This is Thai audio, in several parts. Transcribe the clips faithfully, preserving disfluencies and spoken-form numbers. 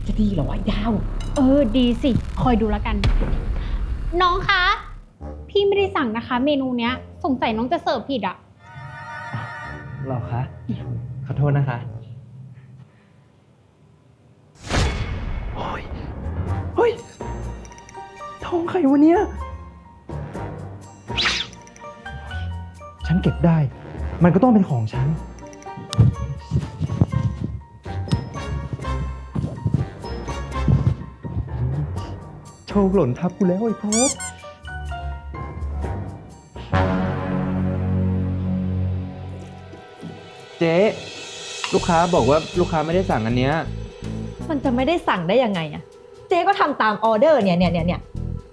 จะดีเหรอวะดาวเออดีสิคอยดูแล้วกันน้องคะพี่ไม่ได้สั่งนะคะ เมนูเนี้ยสงสัยน้องจะเสิร์ฟผิดอ่ะหรอคะขอโทษนะคะเฮ้ยเฮ้ยทองใครวะเนี่ยฉันเก็บได้มันก็ต้องเป็นของฉันโชคหล่นทับกูแล้วไอ้พบเจ๊ลูกค้าบอกว่าลูกค้าไม่ได้สั่งอันเนี้ยมันจะไม่ได้สั่งได้ยังไงอะเจ๊ก็ทำตามออเดอร์เนี่ยเนี่ยเนี่ยเนี่ย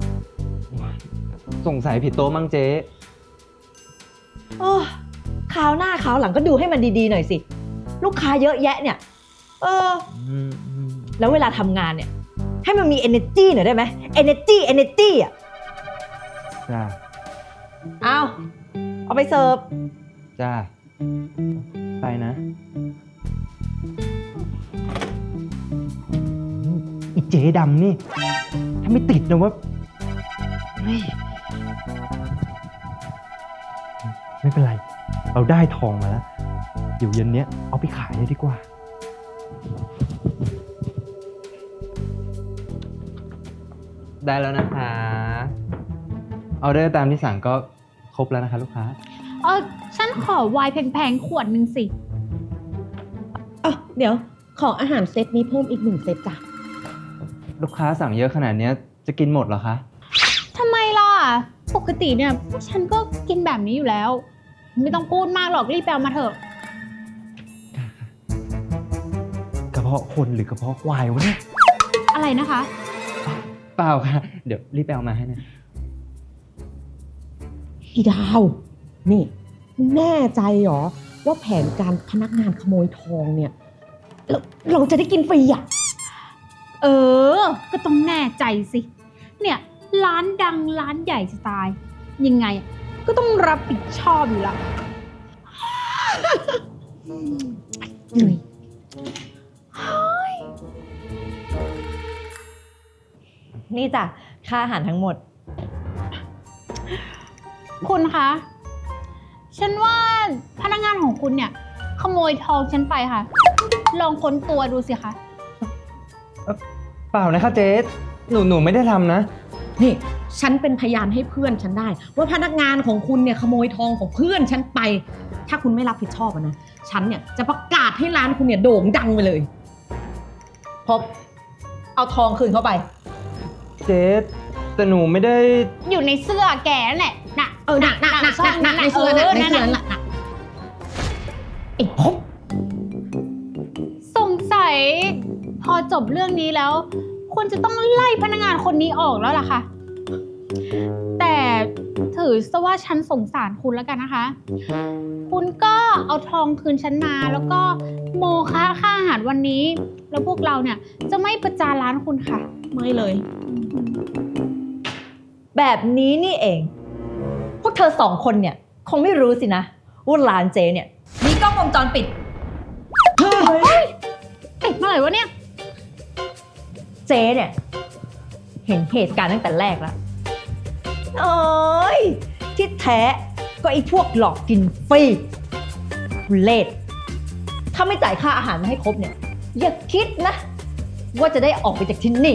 สงสัยผิดโต๊ะมั้งเจ๊โอ้คราวหน้าคราวหลังก็ดูให้มันดีๆหน่อยสิลูกค้าเยอะแยะเนี่ยเออแล้วเวลาทำงานเนี่ยให้มันมี energy หน่อยได้ไหม energy energy อ่ะจ้าเอาเอาไปเสิร์ฟจ้าไปนะอีเจ๊ดำนี่ถ้าไม่ติดนะว่าไม่เป็นไรเราได้ทองมาแล้วเดี๋ยวเย็นนี้เอาไปขายเลยดีกว่าได้แล้วนะคะออเดอร์ตามที่สั่งก็ครบแล้วนะคะลูกค้าเออฉันขอไวน์แพงๆขวดหนึ่งสิอ๋อเดี๋ยวของอาหารเซตนี้เพิ่มอีกหนึ่งเซตจ้ะลูกค้าสั่งเยอะขนาดนี้จะกินหมดเหรอคะทำไมล่ะปกติเนี่ยฉันก็กินแบบนี้อยู่แล้วไม่ต้องพูดมากหรอกรีบไปเอามาเถอะกระเพาะคนหรือกระเพาะควายวะเนี่ยอะไรนะคะเปล่าค่ะเดี๋ยวรีบไปเอามาให้นะอีดาวนี่แน่ใจเหรอว่าแผนการพนักงานขโมยทองเนี่ยเราเราจะได้กินฟรีอ่ะเออก็ต้องแน่ใจสิเนี่ยร้านดังร้านใหญ่จะตายยังไงก็ต้องรับผิดชอบอยู่ละเหนื่อยนี่จ้ะค่าอาหารทั้งหมดคุณคะฉันว่าพนักงานของคุณเนี่ยขโมยทองฉันไปค่ะลองค้นตัวดูสิคะเปล่านะคะเจ๊หนูหนูไม่ได้ทำนะนี่ฉันเป็นพยานให้เพื่อนฉันได้ว่าพนักงานของคุณเนี่ยขโมยทองของเพื่อนฉันไปถ้าคุณไม่รับผิดชอบนะฉันเนี่ยจะประกาศให้ร้านคุณเนี่ยโด่งดังไปเลยพบเอาทองคืนเข้าไปเจ๊แต่หนูไม่ได้อยู่ในเสื้อแกนั่นแหละน่ะเออน่ะน่ะน่ะน่ะในเสื้อน่ะในเสื้อน่ะไอ้พบสงสัยพอจบเรื่องนี้แล้วคุณจะต้องไล่พนักงานคนนี้ออกแล้วล่ะค่ะแต่ถือซะว่าฉันสงสารคุณแล้วกันนะคะคุณก็เอาทองคืนฉันมาแล้วก็โมคะค่าอาหารวันนี้แล้วพวกเราเนี่ยจะไม่ประจานร้านคุณค่ะไม่เลยแบบนี้นี่เองพวกเธอสองคนเนี่ยคงไม่รู้สินะว่าร้านเจเนี่ยมีกล้องวงจรปิดเฮ้ยติดมาเลยวะเนี่ยเจเนี่ยเห็นเหตุการณ์ตั้งแต่แรกแล้วโอ้ยที่แท้ก็ไอ้พวกหลอกกินฟรีเลทถ้าไม่จ่ายค่าอาหารมาให้ครบเนี่ยอย่าคิดนะว่าจะได้ออกไปจากที่นี่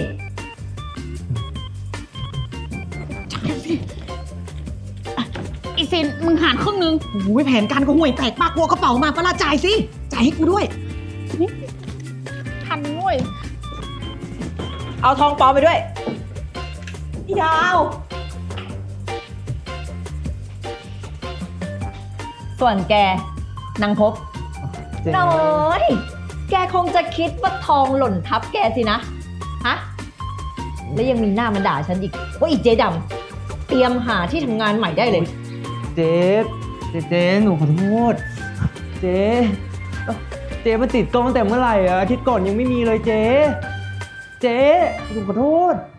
อีซินมึงหารครึ่งนึงโอ้ยแผนการก็ห่วยแตกปากกลัวกระเป๋ามาปะล่ะจ่ายสิจ่ายให้กูด้วยทันด้วยเอาทองปลอมไปด้วยพี่ดาวส่วนแกนางพบน้อยแกคงจะคิดว่าทองหล่นทับแกสินะฮะแล้วยังมีหน้ามาด่าฉันอีกว่าอีเจ๊ดำเตรียมหาที่ทำงานใหม่ได้เลยเจ๊เจ๊เจ๊หนูขอโทษเจ๊เจ๊มาติดกล้องตั้งแต่เมื่อไหร่อะอาทิตย์ก่อนยังไม่มีเลยเจ๊เจ๊หนูขอโทษ